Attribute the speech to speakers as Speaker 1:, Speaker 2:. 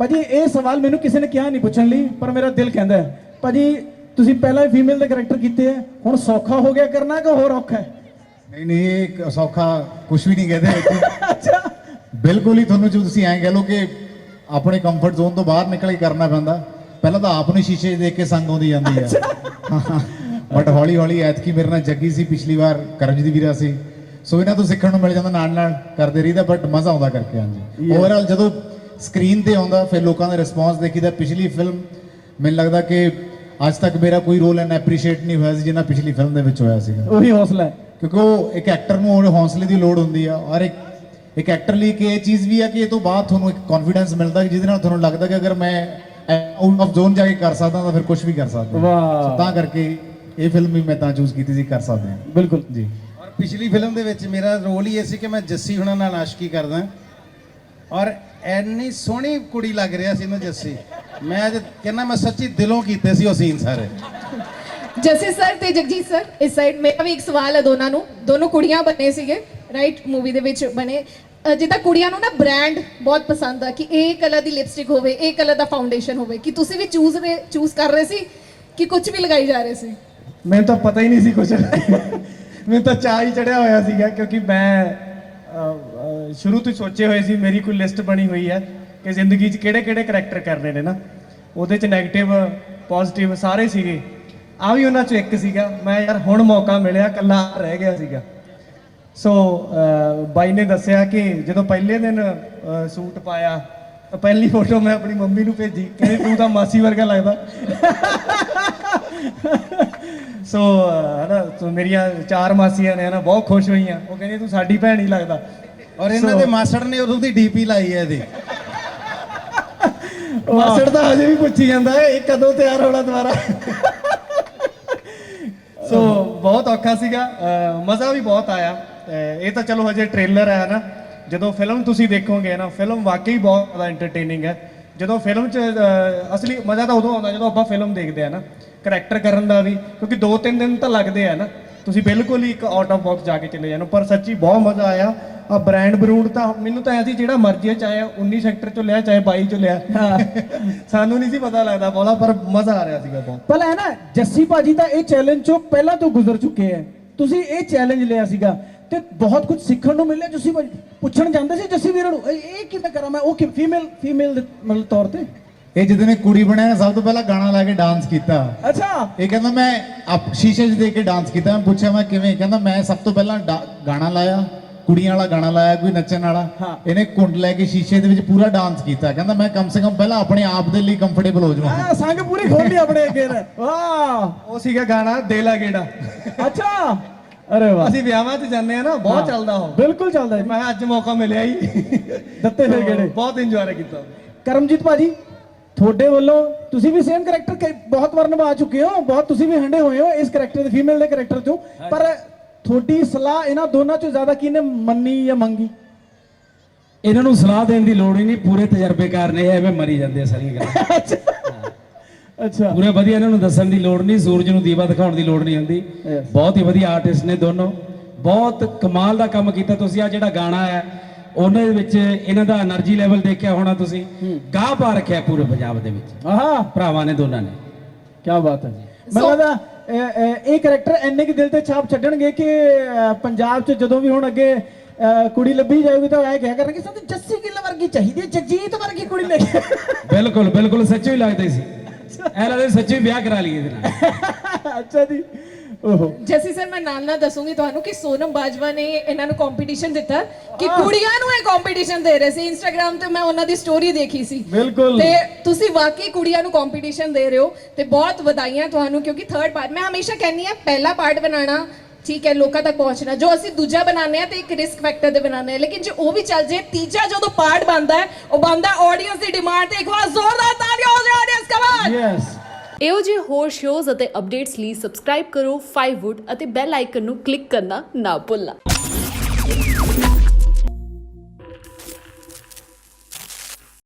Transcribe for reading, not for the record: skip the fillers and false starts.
Speaker 1: ਭਾਜੀ ਇਹ ਸਵਾਲ ਮੈਨੂੰ ਕਿਸੇ ਨੇ ਕਿਹਾ ਨਹੀਂ ਪੁੱਛਣ ਲਈ, ਪਰ ਮੇਰਾ ਦਿਲ ਕਹਿੰਦਾ ਹੈ ਭਾਜੀ ਤੁਸੀਂ ਪਹਿਲਾਂ ਹੀ ਫੀਮੇਲ ਦੇ ਕਰੈਕਟਰ ਕੀਤੇ ਹੈ, ਹੁਣ ਸੌਖਾ ਹੋ ਗਿਆ ਕਰਨਾ ਕਿ ਹੋਰ ਔਖਾ ਹੈ?
Speaker 2: नहीं नहीं ये सौखा कुछ भी नहीं कहते
Speaker 1: ਅੱਛਾ
Speaker 2: बिल्कुल ही थोनों जो तुसी ऐं कह लो कि अपने कंफर्ट जोन तो बाहर निकल के करना पैंदा। पहला तो आप नहीं शीशे देख के संग आउंदी जांदी है बट हौली हौली ऐतकी मेरे नाल जग्गी सी, पिछली बार करमजीत वीरा सी, सो इन्हां तो सिੱਖਣ ਨੂੰ ਮਿਲ ਜਾਂਦਾ, ਨਾਲ ਨਾਲ ਕਰਦੇ ਰਹੀਦਾ, ਬਟ ਮਜ਼ਾ ਆਉਂਦਾ ਕਰਕੇ। ਹਾਂਜੀ ਓਵਰਆਲ ਜਦੋਂ ਸਕਰੀਨ ਤੇ ਆਉਂਦਾ ਫਿਰ ਲੋਕਾਂ ਦਾ ਰਿਸਪੌਂਸ ਦੇਖੀਦਾ। ਪਿਛਲੀ ਫਿਲਮ ਮੈਨੂੰ ਲੱਗਦਾ ਕਿ ਅੱਜ ਤੱਕ ਮੇਰਾ ਕੋਈ ਰੋਲ ਐਨ ਐਪਰੀਸ਼ੀਏਟ ਨਹੀਂ ਹੋਇਆ ਸੀ ਜਿੰਨਾ ਪਿਛਲੀ ਫਿਲਮ ਦੇ ਵਿੱਚ ਹੋਇਆ ਸੀਗਾ।
Speaker 1: ਉਹੀ ਹੌਸਲਾ ਹੈ,
Speaker 2: ਕਿਉਂਕਿ ਉਹ ਇੱਕ ਐਕਟਰ ਨੂੰ ਉਹ ਹੌਸਲੇ ਦੀ ਲੋੜ ਹੁੰਦੀ ਆ, ਔਰ ਇੱਕ ਐਕਟਰ ਲਈ ਕਿ ਇਹ ਚੀਜ਼ ਵੀ ਆ ਕਿ ਇਹ ਤੋਂ ਬਾਅਦ ਤੁਹਾਨੂੰ ਇੱਕ ਕੌਨਫੀਡੈਂਸ ਮਿਲਦਾ ਜਿਹਦੇ ਨਾਲ ਤੁਹਾਨੂੰ ਲੱਗਦਾ ਕਿ ਅਗਰ ਮੈਂ ਆਊਟ ਆਫ ਜ਼ੋਨ ਜਾ ਕੇ ਕਰ ਸਕਦਾ ਤਾਂ ਫਿਰ ਕੁਝ ਵੀ ਕਰ ਸਕਦਾ।
Speaker 1: ਵਾਹ,
Speaker 2: ਤਾਂ ਕਰਕੇ ਇਹ ਫਿਲਮ ਵੀ ਮੈਂ ਤਾਂ ਚੂਜ਼ ਕੀਤੀ ਸੀ, ਕਰ ਸਕਦੇ ਹਾਂ।
Speaker 1: ਬਿਲਕੁਲ
Speaker 2: ਜੀ।
Speaker 3: ਔਰ ਪਿਛਲੀ ਫਿਲਮ ਦੇ ਵਿੱਚ ਮੇਰਾ ਰੋਲ ਹੀ ਇਹ ਸੀ ਕਿ ਮੈਂ ਜੱਸੀ ਹੁਣਾਂ ਨਾਲ ਆਸ਼ਕੀ ਕਰਦਾ, ਔਰ ਐਨੀ ਸੋਹਣੀ ਕੁੜੀ ਲੱਗ ਰਿਹਾ ਸੀ ਨਾ ਜੱਸੀ, ਮੈਂ ਅੱਜ ਕਹਿੰਦਾ ਮੈਂ ਸੱਚੀ ਦਿਲੋਂ ਕੀਤੇ ਸੀ ਉਹ ਸੀਨ ਸਾਰੇ।
Speaker 4: ਜੱਸੀ ਸਰ ਤੇ ਜਗਜੀਤ ਸਰ ਇਸ ਸਾਈਡ, ਮੇਰਾ ਵੀ ਇੱਕ ਸਵਾਲ ਹੈ ਦੋਨਾਂ ਨੂੰ। ਦੋਨੋਂ ਕੁੜੀਆਂ ਬਣੇ ਸੀਗੇ ਰਾਈਟ, ਮੂਵੀ ਦੇ ਵਿੱਚ ਬਣੇ। ਜਿੱਦਾਂ ਕੁੜੀਆਂ ਨੂੰ ਨਾ ਬ੍ਰਾਂਡ ਬਹੁਤ ਪਸੰਦ ਆ ਕਿ ਇਹ ਕਲਰ ਦੀ ਲਿਪਸਟਿਕ ਹੋਵੇ, ਇਹ ਕਲਰ ਦਾ ਫਾਊਂਡੇਸ਼ਨ ਹੋਵੇ, ਕਿ ਤੁਸੀਂ ਵੀ ਚੂਜ਼ ਕਰ ਰਹੇ ਸੀ ਕਿ ਕੁਝ ਵੀ ਲਗਾਈ ਜਾ ਰਹੇ ਸੀ?
Speaker 1: ਮੈਨੂੰ ਤਾਂ ਪਤਾ ਹੀ ਨਹੀਂ ਸੀ ਕੁਝ ਮੈਨੂੰ ਤਾਂ ਚਾਹ ਹੀ ਚੜਿਆ ਹੋਇਆ ਸੀਗਾ, ਕਿਉਂਕਿ ਮੈਂ ਸ਼ੁਰੂ ਤੋਂ ਹੀ ਸੋਚੇ ਹੋਏ ਸੀ, ਮੇਰੀ ਕੋਈ ਲਿਸਟ ਬਣੀ ਹੋਈ ਹੈ ਕਿ ਜ਼ਿੰਦਗੀ 'ਚ ਕਿਹੜੇ ਕਿਹੜੇ ਕਰੈਕਟਰ ਕਰਨੇ ਨੇ ਨਾ। ਉਹਦੇ 'ਚ ਨੈਗੇਟਿਵ ਪੋਜ਼ਿਟਿਵ ਸਾਰੇ ਸੀਗੇ, ਆ ਵੀ ਉਹਨਾਂ 'ਚੋਂ ਇੱਕ ਸੀਗਾ। ਮੈਂ ਯਾਰ ਹੁਣ ਮੌਕਾ ਮਿਲਿਆ, ਇਕੱਲਾ ਰਹਿ ਗਿਆ ਸੀਗਾ। ਸੋ ਬਾਈ ਨੇ ਦੱਸਿਆ ਕਿ ਜਦੋਂ ਪਹਿਲੇ ਦਿਨ ਸੂਟ ਪਾਇਆ ਤਾਂ ਪਹਿਲੀ ਫੋਟੋ ਮੈਂ ਆਪਣੀ ਮੰਮੀ ਨੂੰ ਭੇਜੀ, ਕਹਿੰਦੇ ਤੂੰ ਤਾਂ ਮਾਸੀ ਵਰਗਾ ਲੱਗਦਾ ਸੋ ਹਨਾ, ਸੋ ਮੇਰੀਆਂ 4 ਮਾਸੀਆਂ ਨੇ ਹਨਾ ਬਹੁਤ ਖੁਸ਼ ਹੋਈਆਂ, ਉਹ ਕਹਿੰਦੀ ਤੂੰ ਸਾਡੀ ਭੈਣ ਹੀ ਲੱਗਦਾ।
Speaker 3: ਔਰ ਇਹਨਾਂ ਦੇ ਮਾਸੜ ਨੇ ਉਦੋਂ ਦੀ ਡੀਪੀ ਲਾਈ ਹੈ ਇਹਦੀ।
Speaker 1: ਮਾਸੜ ਤਾਂ ਹਜੇ ਵੀ ਪੁੱਛੀ ਜਾਂਦਾ ਹੈ ਇਹ ਕਦੋਂ ਤਿਆਰ ਹੋਣਾ ਦੁਬਾਰਾ ਸੋ ਬਹੁਤ ਔਖਾ ਸੀਗਾ, ਮਜ਼ਾ ਵੀ ਬਹੁਤ ਆਇਆ। ਇਹ ਤਾਂ ਚਲੋ ਹਜੇ ਟ੍ਰੇਲਰ ਹੈ ਨਾ, ਜਦੋਂ ਫਿਲਮ ਤੁਸੀਂ ਦੇਖੋਗੇ ਨਾ, ਫਿਲਮ ਵਾਕਈ ਬਹੁਤ ਜ਼ਿਆਦਾ ਐਂਟਰਟੇਨਿੰਗ ਹੈ। ਜਦੋਂ ਫਿਲਮ 'ਚ ਅਸਲੀ ਮਜ਼ਾ ਤਾਂ ਉਦੋਂ ਆਉਂਦਾ ਜਦੋਂ ਆਪਾਂ ਫਿਲਮ ਦੇਖਦੇ ਆ ਨਾ, ਕਰੈਕਟਰ ਕਰਨ ਦਾ ਵੀ, ਕਿਉਂਕਿ 2-3 ਦਿਨ ਤਾਂ ਲੱਗਦੇ ਆ ਨਾ, ਤੁਸੀਂ ਬਿਲਕੁਲ ਹੀ ਇੱਕ ਆਊਟ ਆਫ ਬਾਕਸ ਜਾ ਕੇ ਚਲੇ ਜਾਣਾ। ਪਰ ਸੱਚੀ ਬਹੁਤ ਮਜ਼ਾ ਆਇਆ। ਆ ਬ੍ਰਾਂਡ ਬਰੂਡ ਤਾਂ ਮੈਨੂੰ ਤਾਂ ਐਸੀ ਜਿਹੜਾ ਮਰਜ਼ੀ ਚਾਹੇ 19 ਸੈਕਟਰ ਚੋਂ ਲਿਆ ਚਾਹੇ 22 ਚੋਂ ਲਿਆ ਸਾਨੂੰ ਨਹੀਂ ਸੀ ਪਤਾ ਲੱਗਦਾ ਬੋਲਾ, ਪਰ ਮਜ਼ਾ ਆ ਰਿਹਾ ਸੀਗਾ ਬਹੁਤ। ਪਹਿਲਾਂ ਹੈ ਨਾ ਜੱਸੀ ਭਾਜੀ ਤਾਂ ਇਹ ਚੈਲੰਜ ਚੋਂ ਪਹਿਲਾਂ ਤੋਂ ਗੁਜ਼ਰ ਚੁੱਕੇ ਹੈ, ਤੁਸੀਂ ਇਹ ਚੈਲੰਜ ਲਿਆ ਸੀਗਾ ਤੇ ਬਹੁਤ ਕੁਝ ਸਿੱਖਣ ਨੂੰ ਮਿਲਿਆ। ਜੱਸੀ ਭਾਜੀ ਪੁੱਛਣ ਜਾਂਦੇ ਸੀ ਜੱਸੀ ਵੀਰ ਨੂੰ ਇਹ ਕਿਵੇਂ ਕਰਾਂ ਮੈਂ, ਉਹ ਕਿ ਫੀਮੇਲ ਦੇ ਮਤਲਬ ਤੌਰ ਤੇ
Speaker 2: ਇਹ ਜਦੋਂ ਨੇ ਕੁੜੀ ਬਣਿਆ ਸਭ ਤੋਂ ਪਹਿਲਾਂ ਗਾਣਾ ਲਾ ਕੇ ਡਾਂਸ ਕੀਤਾ।
Speaker 1: ਅੱਛਾ,
Speaker 2: ਇਹ ਕਹਿੰਦਾ ਮੈਂ ਸ਼ੀਸ਼ੇ 'ਚ ਦੇਖ ਕੇ ਡਾਂਸ ਕੀਤਾ। ਮੈਂ ਪੁੱਛਿਆ ਮੈਂ ਕਿਵੇਂ, ਕਹਿੰਦਾ ਮੈਂ ਸਭ ਤੋਂ ਪਹਿਲਾਂ ਗਾਣਾ ਲਾਇਆ, ਕੁੜੀਆਂ ਵਾਲਾ ਗਾਣਾ ਲਾਇਆ ਕੋਈ ਨੱਚਣ ਵਾਲਾ, ਇਹਨੇ ਕੁੰਡ ਲੈ ਕੇ ਸ਼ੀਸ਼ੇ ਦੇ ਵਿੱਚ ਪੂਰਾ ਡਾਂਸ ਕੀਤਾ। ਕਹਿੰਦਾ ਮੈਂ ਕਮ ਸੇ ਕਮ ਪਹਿਲਾਂ ਆਪਣੇ ਆਪ ਦੇ ਲਈ ਕੰਫਰਟੇਬਲ ਹੋ ਜਾਵਾਂ।
Speaker 1: ਸੰਗ ਪੂਰੀ ਖੋਲ ਲਈ ਆਪਣੇ ਅੱਗੇ ਨੇ। ਵਾਹ, ਉਹ ਸੀਗਾ ਗਾਣਾ ਦੇ ਲਾ ਗੇੜਾ। ਅੱਛਾ, ਅਰੇ ਵਾਹ, ਅਸੀਂ ਵਿਆਹਾਂ 'ਚ ਜਾਂਦੇ ਆ ਨਾ, ਬਹੁਤ ਚੱਲਦਾ ਉਹ। ਬਿਲਕੁਲ ਚੱਲਦਾ। ਮੈਂ ਅੱਜ ਮੌਕਾ ਮਿਲਿਆ ਹੀ ਦਿੱਤੇ ਫਿਰ ਗੇੜੇ, ਬਹੁਤ ਇੰਜੋਏ ਕੀਤਾ। ਕਰਮਜੀਤ ਭਾਜੀ ਤੁਹਾਡੇ ਵੱਲੋਂ ਤੁਸੀਂ ਵੀ ਸੇਮ ਕਰੈਕਟਰ ਬਹੁਤ ਵਾਰ ਨਿਭਾ ਚੁੱਕੇ ਹੋ, ਬਹੁਤ ਤੁਸੀਂ ਵੀ ਹੰਡੇ ਹੋਏ ਹੋ ਇਸ ਕਰੈਕਟਰ ਦੇ, ਫੀਮੇਲ ਦੇ ਕਰੈਕਟਰ ਚੋਂ, ਪਰ ਤੁਹਾਡੀ ਸਲਾਹ ਇਹਨਾਂ ਦੋਨਾਂ ਚੋਂ ਜ਼ਿਆਦਾ ਕਿਹਨੇ ਮੰਨੀ ਜਾਂ ਮੰਗੀ?
Speaker 5: ਇਹਨਾਂ ਨੂੰ ਸਲਾਹ ਦੇਣ ਦੀ ਲੋੜ ਹੀ ਨਹੀਂ, ਪੂਰੇ ਤਜਰਬੇਕਾਰ ਨੇ, ਐਵੇਂ ਮਰੀ ਜਾਂਦੇ ਆ ਸਾਰੀਆਂ ਗੱਲਾਂ।
Speaker 1: ਅੱਛਾ,
Speaker 5: ਪੂਰੇ ਵਧੀਆ, ਇਹਨਾਂ ਨੂੰ ਦੱਸਣ ਦੀ ਲੋੜ ਨਹੀਂ, ਸੂਰਜ ਨੂੰ ਦੀਵਾ ਦਿਖਾਉਣ ਦੀ ਲੋੜ ਨਹੀਂ ਹੁੰਦੀ। ਬਹੁਤ ਹੀ ਵਧੀਆ ਆਰਟਿਸਟ ਨੇ ਦੋਨੋਂ, ਬਹੁਤ ਕਮਾਲ ਦਾ ਕੰਮ ਕੀਤਾ ਤੁਸੀਂ। ਆ ਜਿਹੜਾ ਗਾਣਾ ਹੈ ਉਹਨਾਂ ਦੇ ਵਿੱਚ ਇਹਨਾਂ ਦਾ એનર્ਜੀ ਲੈਵਲ ਦੇਖਿਆ ਹੋਣਾ ਤੁਸੀਂ, ਗਾਹ ਪਾ ਰੱਖਿਆ ਪੂਰੇ ਪੰਜਾਬ ਦੇ ਵਿੱਚ। ਆਹਾ, ਭਰਾਵਾਂ ਨੇ ਦੋਨਾਂ ਨੇ।
Speaker 1: ਕੀ ਬਾਤ ਹੈ ਜੀ। ਮੈਨੂੰ ਲੱਗਦਾ ਇਹ ਕਰੈਕਟਰ ਇੰਨੇ ਕਿ ਦਿਲ ਤੇ ਛਾਪ ਛੱਡਣਗੇ ਕਿ ਪੰਜਾਬ 'ਚ ਜਦੋਂ ਵੀ ਹੁਣ ਅੱਗੇ ਕੁੜੀ ਲੱਭੀ ਜਾਊਗੀ ਤਾਂ ਇਹ ਕਿਹਾ ਕਰਨਗੇ ਸਾਨੂੰ ਜੱਸੀ ਗਿੱਲ ਵਰਗੀ ਚਾਹੀਦੀ ਹੈ, ਜਗਜੀਤ ਵਰਗੀ ਕੁੜੀ ਲੈ ਕੇ।
Speaker 5: ਬਿਲਕੁਲ ਬਿਲਕੁਲ, ਸੱਚੀ ਲੱਗਦੇ ਸੀ, ਐ ਲੱਗਦਾ ਸੱਚੀ ਵਿਆਹ ਕਰਾ ਲਈਏ ਇਹਦੇ ਨਾਲ।
Speaker 1: ਅੱਛਾ ਜੀ। ਓਹੋ,
Speaker 4: ਜੈਸੀ ਸਰ ਮੈਂ ਨਾਮ ਨਾ ਦੱਸੂਗੀ ਤੁਹਾਨੂੰ ਕਿ ਸੋਨਮ ਬਾਜਵਾ ਨੇ ਇਹਨਾਂ ਨੂੰ ਕੰਪੀਟੀਸ਼ਨ ਦਿੱਤਾ ਕਿ ਕੁੜੀਆਂ ਨੂੰ ਇਹ ਕੰਪੀਟੀਸ਼ਨ ਦੇ ਰਹੇ ਸੀ। ਇੰਸਟਾਗ੍ਰam ਤੇ ਮੈਂ ਉਹਨਾਂ ਦੀ ਸਟੋਰੀ ਦੇਖੀ ਸੀ।
Speaker 1: ਬਿਲਕੁਲ,
Speaker 4: ਤੇ ਤੁਸੀਂ ਵਾਕਈ ਕੁੜੀਆਂ ਨੂੰ ਕੰਪੀਟੀਸ਼ਨ ਦੇ ਰਹੇ ਹੋ ਤੇ ਬਹੁਤ ਵਧਾਈਆਂ ਤੁਹਾਨੂੰ, ਕਿਉਂਕਿ ਥਰਡ ਪਾਰਟ ਮੈਂ ਹਮੇਸ਼ਾ ਕਹਿੰਦੀ ਆ ਪਹਿਲਾ ਪਾਰਟ ਬਣਾਉਣਾ ਠੀਕ ਹੈ, ਲੋਕਾਂ ਤੱਕ ਪਹੁੰਚਣਾ, ਜੋ ਅਸੀਂ ਦੂਜਾ ਬਣਾਉਂਦੇ ਆ ਤੇ ਇੱਕ ਰਿਸਕ ਫੈਕਟਰ ਦੇ ਬਣਾਉਂਦੇ ਆ, ਲੇਕਿਨ ਜੇ ਉਹ ਵੀ ਚੱਲ ਜੇ ਤੀਜਾ ਜਦੋਂ ਪਾਰਟ ਬਣਦਾ ਹੈ ਉਹ ਬਣਦਾ ਆਡੀਅנס ਦੀ ਡਿਮਾਂਡ ਤੇ। ਇੱਕ ਵਾਰ ਜ਼ੋਰਦਾਰ ਤਾੜੀਆਂ ਹੋ ਜਾਏ ਆਡੀਅנס, ਕਮਾਨ।
Speaker 1: ਯੈਸ।
Speaker 6: ਇਹੋ ਜਿਹੇ ਹੋਰ ਸ਼ੋਜ਼ ਅਤੇ ਅਪਡੇਟਸ ਲਈ ਸਬਸਕ੍ਰਾਈਬ ਕਰੋ 5wood ਅਤੇ ਬੈਲ ਆਈਕਨ ਨੂੰ ਕਲਿੱਕ ਕਰਨਾ ਨਾ ਭੁੱਲਣਾ।